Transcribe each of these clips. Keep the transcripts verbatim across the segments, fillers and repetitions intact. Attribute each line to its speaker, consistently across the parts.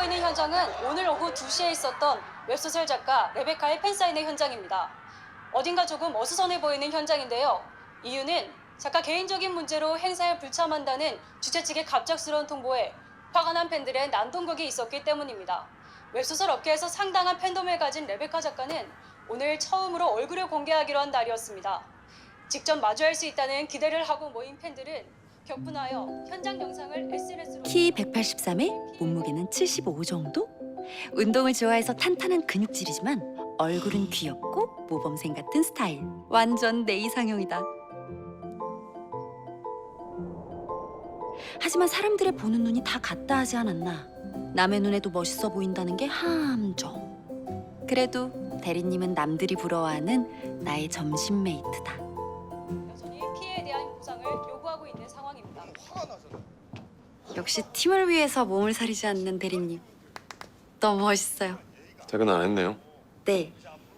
Speaker 1: 보이는 현장은 오늘 오후 두 시에 있었던 웹소설 작가 레베카의 팬사인회 현장입니다. 어딘가 조금 어수선해 보이는 현장인데요. 이유는 작가 개인적인 문제로 행사에 불참한다는 주최 측의 갑작스러운 통보에 화가 난 팬들의 난동극이 있었기 때문입니다. 웹소설 업계에서 상당한 팬덤을 가진 레베카 작가는 오늘 처음으로 얼굴을 공개하기로 한 날이었습니다. 직접 마주할 수 있다는 기대를 하고 모인 팬들은 격분하여 현장 영상을 에스엔에스로
Speaker 2: 키 백팔십삼에 몸무게는 칠십오 정도? 운동을 좋아해서 탄탄한 근육질이지만 얼굴은 귀엽고 모범생 같은 스타일. 완전 내 이상형이다. 하지만 사람들의 보는 눈이 다 같다 하지 않았나. 남의 눈에도 멋있어 보인다는 게 함정. 그래도 대리님은 남들이 부러워하는 나의 점심 메이트다.
Speaker 1: 여전히 피해에 대한 보상을 요구하고 있는 상황입니다.
Speaker 2: 역시 팀을 위해서 몸을 사리지 않는 대리님. 너무 멋있어요.
Speaker 3: 퇴근 안 했네요.
Speaker 2: 네.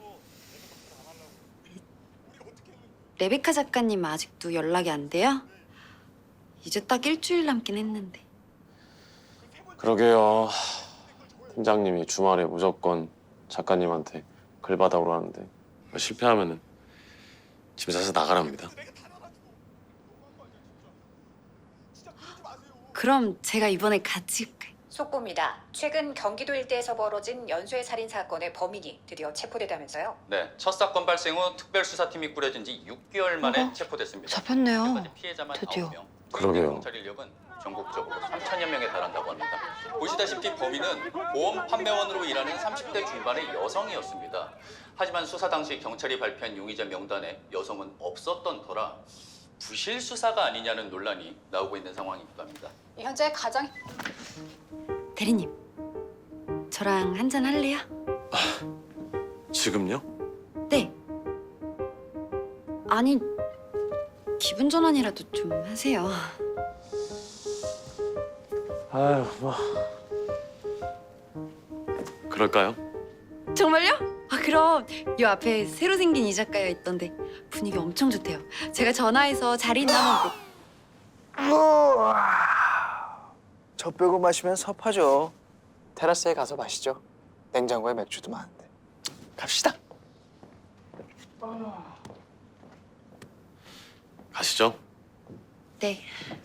Speaker 2: 레베카 작가님 아직도 연락이 안 돼요? 이제 딱 일주일 남긴 했는데.
Speaker 3: 그러게요. 팀장님이 주말에 무조건 작가님한테 글 받아오라는데 실패하면은 집에 사서 나가랍니다.
Speaker 2: 그럼 제가 이번에 같이 갈까요?
Speaker 4: 속보입니다. 최근 경기도 일대에서 벌어진 연쇄 살인 사건의 범인이 드디어 체포됐다면서요?
Speaker 5: 네, 첫 사건 발생 후 특별수사팀이 꾸려진 지 육 개월 만에
Speaker 2: 어머,
Speaker 5: 체포됐습니다.
Speaker 2: 잡혔네요.
Speaker 5: 현재까지 피해자만
Speaker 2: 드디어.
Speaker 5: 아홉 명.
Speaker 3: 그러게요.
Speaker 5: 경찰 인력은 전국적으로 삼천여 명에 달한다고 합니다. 보시다시피 범인은 보험 판매원으로 일하는 삼십 대 중반의 여성이었습니다. 하지만 수사 당시 경찰이 발표한 용의자 명단에 여성은 없었던 터라 부실 수사가 아니냐는 논란이 나오고 있는 상황이기도 합니다.
Speaker 1: 현재 가장
Speaker 2: 대리님, 저랑 한잔 할래요?
Speaker 3: 지금요?
Speaker 2: 네. 아니, 기분 전환이라도 좀 하세요.
Speaker 3: 아유 뭐 그럴까요?
Speaker 2: 정말요? 아, 그럼 요 앞에 새로 생긴 이 작가여 있던데 분위기 엄청 좋대요. 제가 전화해서 자리 있나 한번
Speaker 6: 저 빼고 마시면 섭하죠. 테라스에 가서 마시죠. 냉장고에 맥주도 많은데. 갑시다.
Speaker 3: 가시죠.
Speaker 2: 네.